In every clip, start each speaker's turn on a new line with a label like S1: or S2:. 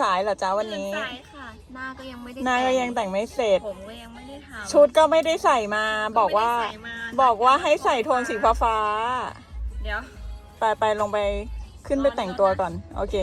S1: ตื่นสายค่ะหน้าก็ยังไม่ได้
S2: แต่งไม่เสร็จ
S1: ผมก็ยังไม่ได้ทำ
S2: ชุดก็ไม่ได้ใส่มาบอกว่าให้ใส่โทนสีฟ้า
S1: เดี๋ยว
S2: ไปลงไปขึ้นไปแต่งตัวก่อนโอเค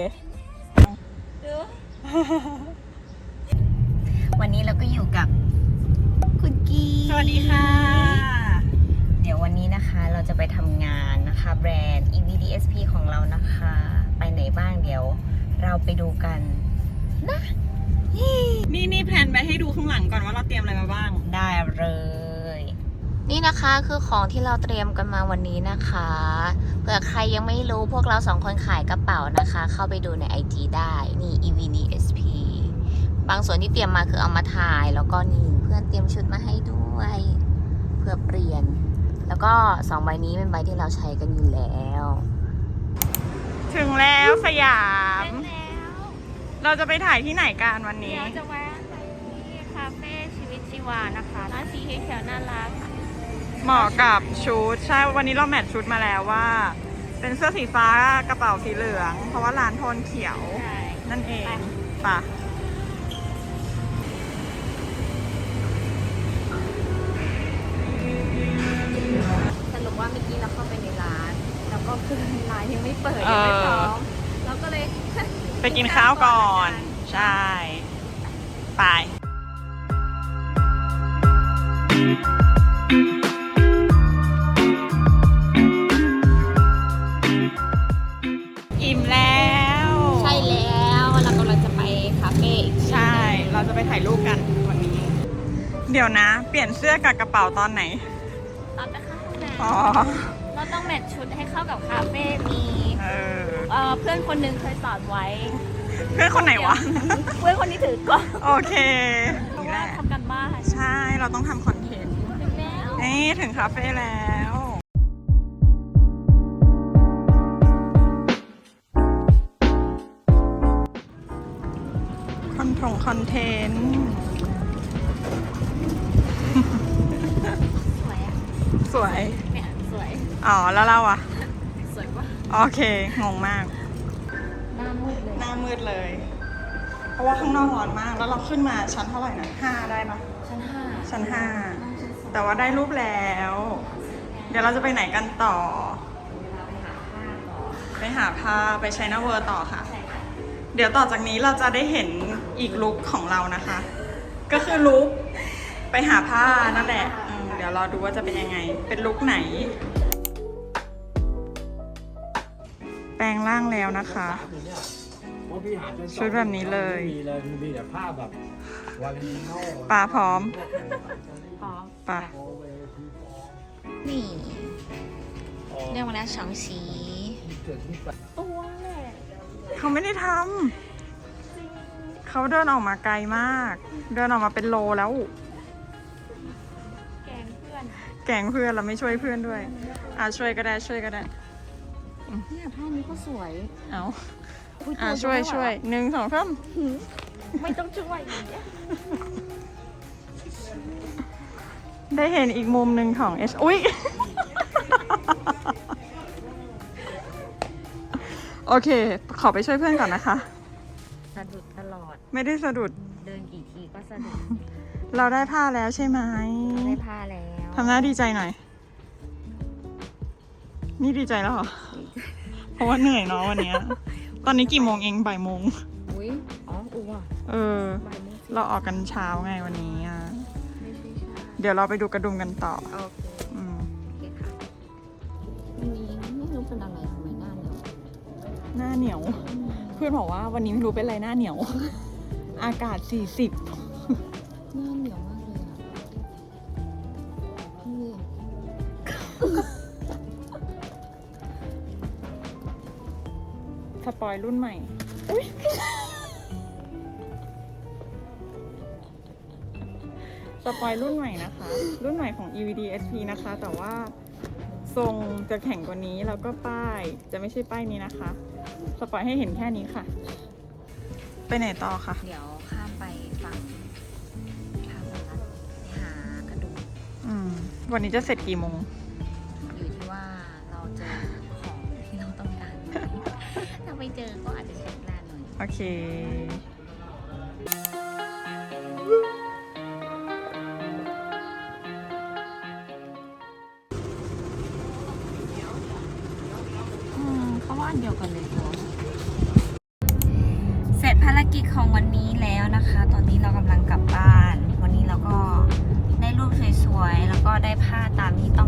S1: วันนี้เราก็อยู่กับคุณกี
S2: สวัสดีค่ะ
S1: เดี๋ยววันนี้นะคะเราจะไปทำงานนะคะแบรนด์ EVDSP ของเรานะคะไปไหนบ้างเดี๋ยวเราไปดูกันนะ
S2: นี่แพลนไปให้ดูข้างหลังก่อนว่าเราเตรียมอะไรมาบ้าง
S1: ได้เลยนี่นะคะคือของที่เราเตรียมกันมาวันนี้นะคะเผื่อใครยังไม่รู้พวกเรา2คนขายกระเป๋านะคะเข้าไปดูใน IG ได้นี่ EVDSP บางส่วนที่เตรียมมาคือเอามาถ่ายแล้วก็นี่เพื่อนเตรียมชุดมาให้ด้วยเพื่อเปลี่ยนแล้วก็2ใบนี้เป็นใบที่เราใช้กันอยู่แล้ว
S2: ถึงแล้วสยามเราจะไปถ่ายที่ไหนกันวันนี้
S1: เราจะแวะไปที่คาเฟ่ชีวิตชีวานะคะร้านสีเขียวน่ารัก
S2: เหมาะกับชุดใช่วันนี้เราแมทชุดมาแล้วว่าเป็นเสื้อสีฟ้ากระเป๋าสีเหลืองเพราะว่าร้านโทนเขียวนั่นเองป่ะ
S1: สรุปว่าเมื่อกี้เราเข้าไปในร้านแล้วก็คือร้านยังไม่เปิดยังไม่พร้อมเราก็เลย
S2: ไปกินข้าวก่อนใช่ไปอิ่มแล้ว
S1: ใช่แล้วเรากำลังจะไปคาเฟ่
S2: ใช่เราจะไปถ่ายรูปกันวันนี้เดี๋ยวนะเปลี่ยนเสื้อกับกระเป๋าตอนไหน
S1: ตอนไปเข้าห้องน้
S2: ำ
S1: เราต้องแมทชุดให้เข้ากับคาเฟ่มีเพื่อนคนนึงเคยสอนไว้
S2: เพื่อนคนไหนวะ
S1: เพื่อนคนนี้ถือกล้อง
S2: โอเค
S1: เพราะว่าทำกันบ้าน
S2: ใช่เราต้องทำคอนเทนต์นี่ถึงคาเฟ่แล้วคอนเทนต์สวย
S1: เนี่ยสวย
S2: อ๋อแล้วเราอ่ะ
S1: สวยปะ
S2: โอเคงงมาก
S1: หน้ามืดเลย
S2: เพราะว่าข้างนอกร้อนมากแล้วเราขึ้นมาชั้นเท่าไหร่นะ5ได้ปะชั้น 5แต่ว่าได้รูปแล้วเดี๋ยวเราจะไปไหนกันต่อไปหาผ้าไปไชน่าเวิลด์ต่อค่ะเดี๋ยวต่อจากนี้เราจะได้เห็นอีกลุคของเรานะคะก็คือลุคไปหาผ้านั่นแหละเดี๋ยวเราดูว่าจะเป็นยังไงเป็นลุคไหนแปลงร่างแล้วนะคะชุดแบบนี้เลย
S3: มีแต่ภาพแบบวันนี้
S2: ปลาพร้อมปลา
S1: นี่เรียกว่าแล้ว2สีตัวแหละ
S2: เขาไม่ได้ทำเขาเดินออกมาไกลมากเดินออกมาเป็นโลแล้ว
S1: แกงเ
S2: พื่อนเราไม่ช่วยเพื่อนด้วยช่วยก็ได้
S1: เนี่ยผ้านี้ก็สวย
S2: เอาช่วย1 2 3
S1: ไม่ต้องช่วยอย่างเงี้ย
S2: ได้เห็นอีกมุมหนึ่งของอุ๊ยโอเคขอไปช่วยเพื่อนก่อนนะคะ
S1: สะดุดตลอด
S2: ไม่ได้สะดุด
S1: เดินกี่ทีก็สะดุด
S2: เราได้ผ้าแล้วใช่ไหม
S1: ได้ผ้าแล้ว
S2: ทำหน้าดีใจหน่อยนี่ดีใจแล้วเหรอเพราะว่าเหนื่อยเนาะวันนี้ตอนนี้กี่โมงเองบ่ายโมงเราออกกันเช้าไงวันนี้เดี๋ยวเราไปดูกระดุมกันต่อ
S1: โอเคค่ะวันนี้ไม่รู้เป็นอะไรทำไมหน้า
S2: เหนียวเพื่อนบอกว่าวันนี้ไม่รู้เป็นอะไรหน้าเหนียวอากาศ40
S1: หน้าเหนียวมากเลย
S2: สปอยรุ่นใหม่สปอยรุ่นใหม่นะคะรุ่นใหม่ของ EVDSP นะคะแต่ว่าทรงจะแข็งกว่านี้แล้วก็ป้ายจะไม่ใช่ป้ายนี้นะคะสปอยให้เห็นแค่นี้ค่ะไปไหนต่อคะ
S1: เดี๋ยวข้ามไปฝั่งท่าวัดหากระดูก
S2: วันนี้จะเสร็จกี่โมง
S1: อยู่ที่ว่าเราเจอของที่เราต้องการถ้าไม่เจอก็อาจจะใช้เวลาหน่อย
S2: โอเค
S1: เขาว่าอันเดียวกันเลยเสร็จภารกิจของวันนี้แล้วนะคะ ตอนนี้เรากำลังกลับบ้าน วันนี้เราก็ได้รูปสวยๆแล้วก็ได้ผ้าตามที่ต้อง